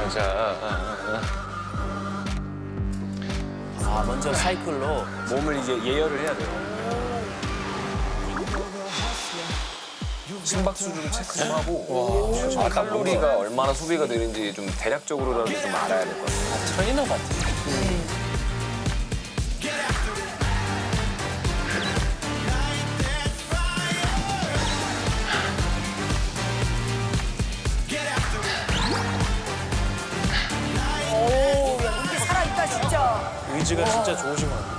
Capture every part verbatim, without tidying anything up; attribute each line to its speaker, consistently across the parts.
Speaker 1: 여자.
Speaker 2: 아, 먼저 사이클로 몸을 이제 예열을 해야 돼요.
Speaker 1: 심박 수준 체크 좀 하고 와, 칼로리가 얼마나 소비가 되는지 좀 대략적으로라도 좀 알아야 될 것 같아요.
Speaker 2: 아, 트레이너 같아.
Speaker 3: 오, 야, 이게 살아있다, 진짜.
Speaker 2: 의지가 진짜 좋으신 것 같아요.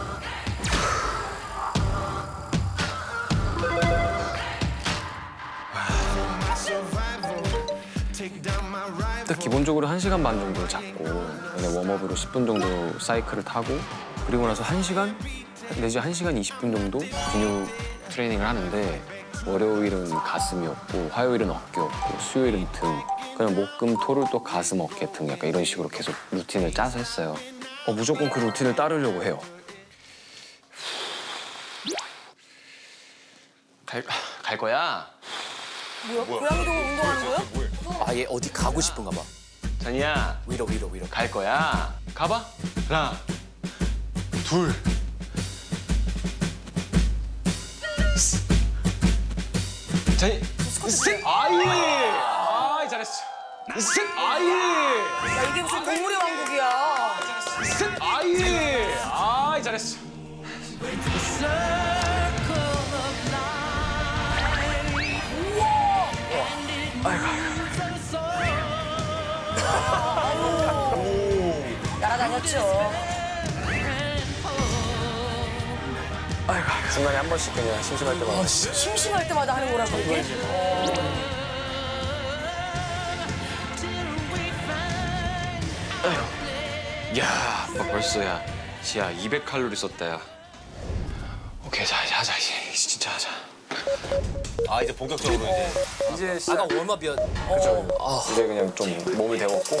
Speaker 1: 일단 기본적으로 한 시간 반 정도 잡고 그다음에 웜업으로 십 분 정도 사이클을 타고 그리고 나서 한 시간 내지 한 시간 이십 분 정도 근육 트레이닝을 하는데 월요일은 가슴이었고 화요일은 어깨였고 수요일은 등 그냥 목, 금, 토를 또 가슴, 어깨, 등 약간 이런 식으로 계속 루틴을 짜서 했어요. 어, 무조건 그 루틴을 따르려고 해요. 갈, 갈 거야?
Speaker 3: 뭐야? 고양이동을 운동하는 거야?
Speaker 2: 아, 얘 어디 가고 싶은가 봐.
Speaker 1: 잔이야
Speaker 2: 위로, 위로, 위로.
Speaker 1: 갈 거야. 가봐. 하나, 둘. 잔이, 셋. 아이. 아이 잘했어. 셋. 아이.
Speaker 3: 야, 이게 무슨 동물의 왕국이야.
Speaker 1: 셋. 아이. 아이 잘했어.
Speaker 3: 날아다녔죠.
Speaker 1: 중간에 한 번씩 그냥 심심할 때마다.
Speaker 3: 심심할 때마다 하는 거라고, 이게?
Speaker 1: 야, 아빠 벌써 야, 지야 이백 칼로리 썼다 야. 오케이, 자, 자, 자, 이제 진짜 하자.
Speaker 4: 아 이제 본격적으로 이제
Speaker 1: 이제 시작.
Speaker 2: 아까 웜업이었.
Speaker 1: 그렇죠. 이제 그냥 좀 몸을 데웠고.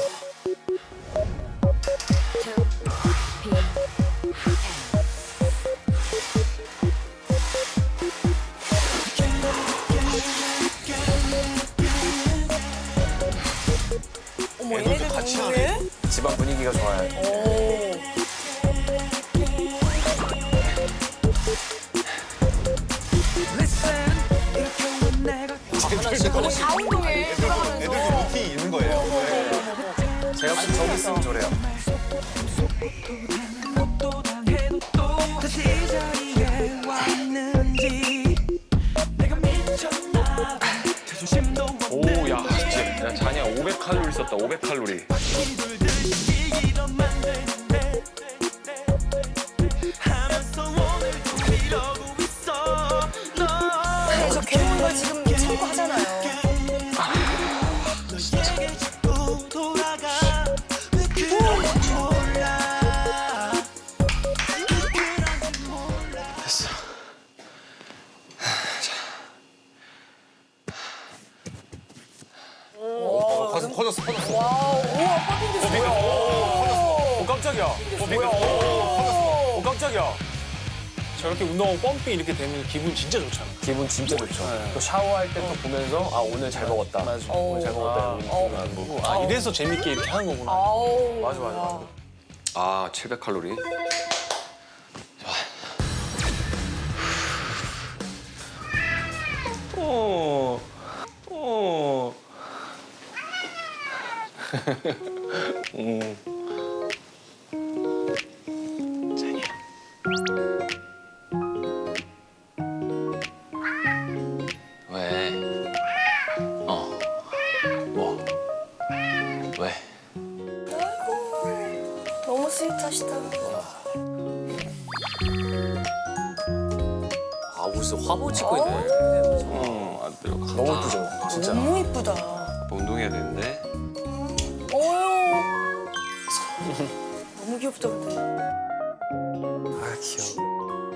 Speaker 3: 어머, 얘네들 같이 하네?
Speaker 1: 집안 분위기가 좋아요.
Speaker 3: 오. 거의 다 운동해, 돌아가면서.
Speaker 4: 애들 루틴이 있는 거예요.
Speaker 1: 제가 무슨 저기 있으면 저래요. 오, 야, 진짜. 야, 자냐 오백 칼로리 썼다. 오백 칼로리.
Speaker 3: 그래서 괴로운 걸 지금 참고 하잖아요.
Speaker 1: 됐어.
Speaker 4: 가슴 커졌어 커졌어.
Speaker 3: 와우, 우와, 펌핑 됐어.
Speaker 2: 오, 깜짝이야.
Speaker 3: 뭐야?
Speaker 2: 오, 깜짝이야. 저렇게 운동하고 펌핑 이렇게 되면 기분 진짜 좋잖아.
Speaker 1: 기분 진짜 좋죠. 또 샤워할 때 또 보면서 아 오늘 잘 먹었다. 맞아. 오늘 잘 먹었다. 이런 느낌이 나고.
Speaker 2: 아, 이래서 재밌게 이렇게 하는 거구나.
Speaker 3: 아우.
Speaker 1: 맞아 맞아 맞아. 아 칠백 칼로리. 좋아. 오. 오. 음. 왜? 어. 뭐? 왜?
Speaker 3: 너무 스윗하시다.
Speaker 2: 아, 무슨 화보 찍고 있네.
Speaker 1: 어, 안 들어가.
Speaker 2: 너무 예쁘죠? 진짜.
Speaker 3: 너무 이쁘다.
Speaker 1: 운동해야 되는데.
Speaker 3: 어휴. 너무 귀엽다, 근데.
Speaker 1: 아, 귀여워.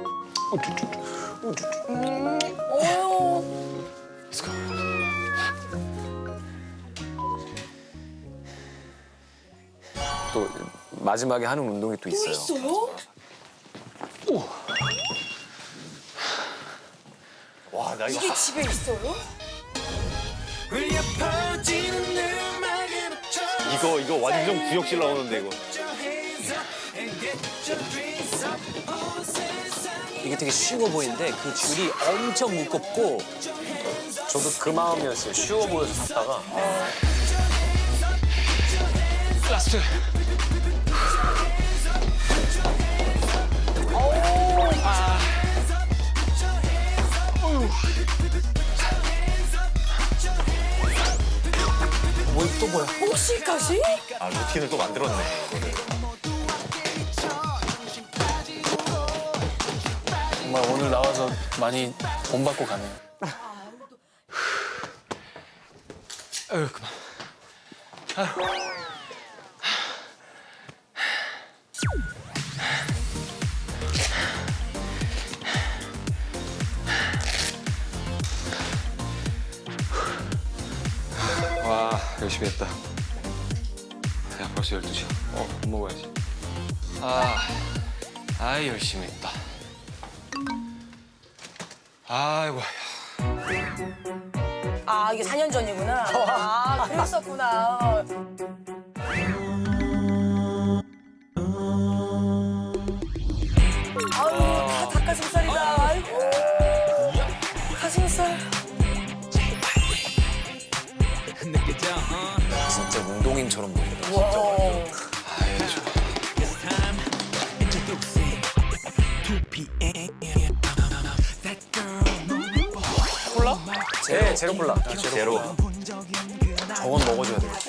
Speaker 3: 음, 어휴.
Speaker 1: Let's go. 또 마지막에 하는 운동이 또
Speaker 3: 또
Speaker 1: 있어요.
Speaker 3: 있어요?
Speaker 4: 와 나 이거
Speaker 3: 이게 집에 있어요?
Speaker 5: 울려 퍼지는 음악에 맞춰
Speaker 4: 이거 이거 완전 구역질 나오는데 이거.
Speaker 2: 이게 되게 쉬워 보이는데 그 줄이 엄청 무겁고 저도 그 마음이었어요. 쉬워 보여서 샀다가 라스트. 아. 뭐또 뭐야?
Speaker 3: 혹시까지?
Speaker 4: 아 루틴을 또 만들었네. 이거를.
Speaker 2: 정말 오늘 나와서 많이 본받고 가네요. 아유 그만. 아유.
Speaker 1: 와 열심히 했다. 야 벌써 열두 시야. 어 밥 먹어야지. 아, 아 열심히 했다. 아이고.
Speaker 3: 아, 이게 사 년 전이구나. 아, 그랬었구나. 아유, 다 닭가슴살이다. 아이고. 가슴살.
Speaker 2: 진짜 운동인처럼 보인다.
Speaker 3: 와.
Speaker 2: 콜라? 네, 제로 콜라.
Speaker 4: 제로.
Speaker 2: 저건 먹어줘야 돼.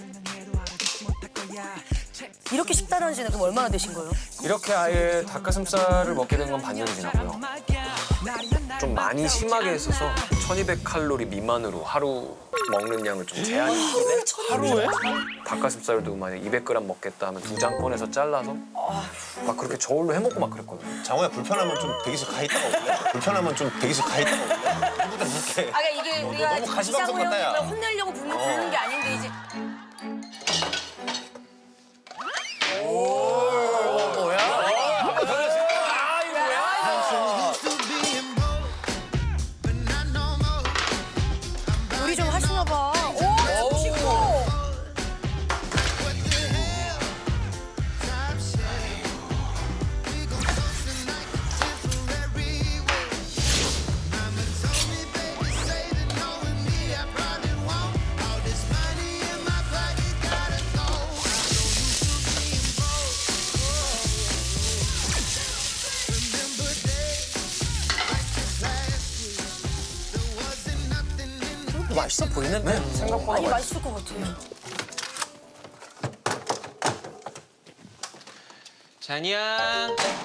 Speaker 3: 이렇게 식단한 지는 그럼 얼마나 되신 거예요?
Speaker 1: 이렇게 아예 닭가슴살을 먹게 된 건 반년이 지났고요. 좀 많이 심하게 했어서 천이백 칼로리 미만으로 하루 먹는 양을 좀 제한이 있는데
Speaker 2: 하루에?
Speaker 1: 닭가슴살도 만약 이백 그램 먹겠다 하면 두 장 꺼내서 잘라서 막 그렇게 저울로 해먹고 막 그랬거든요.
Speaker 4: 장호야 불편하면 좀 대기실 가 있다가 올래? 불편하면 좀 대기실 가 있다가 올래? 이보다 이렇게.
Speaker 3: 아, 그러니까 이게 우리가
Speaker 4: 너무 가시방석
Speaker 3: 이상호
Speaker 4: 같다, 야.
Speaker 3: 형님을 혼내려고 부르는, 부르는 게 아닌데 이제. 요리 좀 하시나 봐. 오, 멋있고.
Speaker 2: 맛있어 보이는데? 생각보다
Speaker 3: 아니,
Speaker 2: 맛있어.
Speaker 3: 맛있을 것 같아요.
Speaker 1: 잔이야.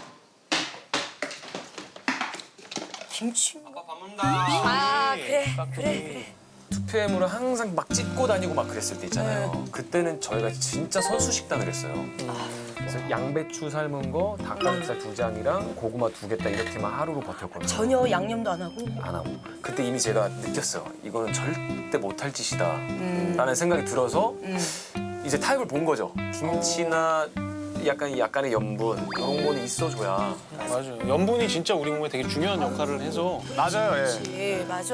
Speaker 3: 김치.
Speaker 1: 밥 먹는다.
Speaker 3: 아, 그래, 그래, 그래.
Speaker 1: 투피엠으로 항상 막 찢고 다니고 막 그랬을 때 있잖아요. 그때는 저희가 진짜 선수 식단을 했어요. 그래서 양배추 삶은 거, 닭가슴살 두 장이랑 고구마 두 개 딱 이렇게만 하루로 버텼거든요.
Speaker 3: 전혀 양념도 안 하고.
Speaker 1: 안 하고. 그때 이미 제가 느꼈어요. 이거는 절대 못할 짓이다. 라는 생각이 들어서 이제 타입을 본 거죠. 김치나 약간 약간의 염분 이런 거는 있어줘야.
Speaker 2: 맞아요. 염분이 진짜 우리 몸에 되게 중요한 역할을 해서.
Speaker 1: 맞아요. 예.
Speaker 3: 예, 맞아.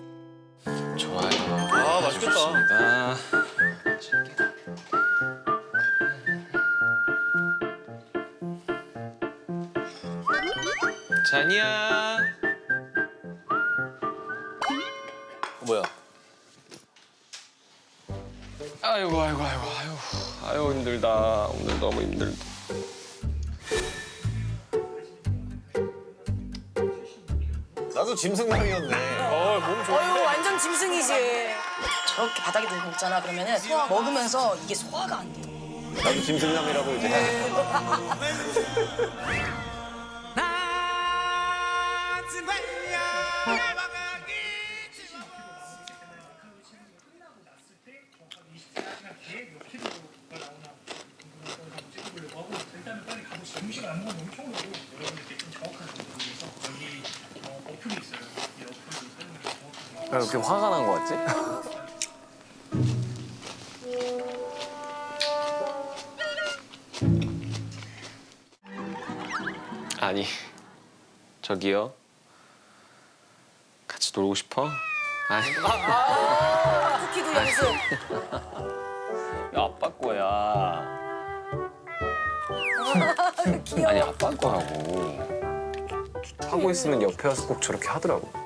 Speaker 1: 좋아요.
Speaker 2: 아 맛있겠다.
Speaker 1: 좋습니다. 잔이야.
Speaker 2: 뭐야?
Speaker 1: 아이고 아이고 아이고 아이고 아이고 힘들다. 오늘 너무 힘들다.
Speaker 4: 나도 짐승남이었네.
Speaker 2: 어, 몸 좋아.
Speaker 3: 어유 완전 짐승이지. 저렇게 바닥에 두고 먹잖아. 그러면은 먹으면서 이게 소화가 안 돼.
Speaker 4: 나도 짐승남이라고 이제 해야겠다.
Speaker 1: 왜 이렇게 화가 난 거 같지? 아니 저기요. 같이 놀고 싶어? 아니
Speaker 3: 쿠키도 연습.
Speaker 1: 야, 아빠 거야. 아니 아빠 거라고. 하고 있으면 옆에 와서 꼭 저렇게 하더라고.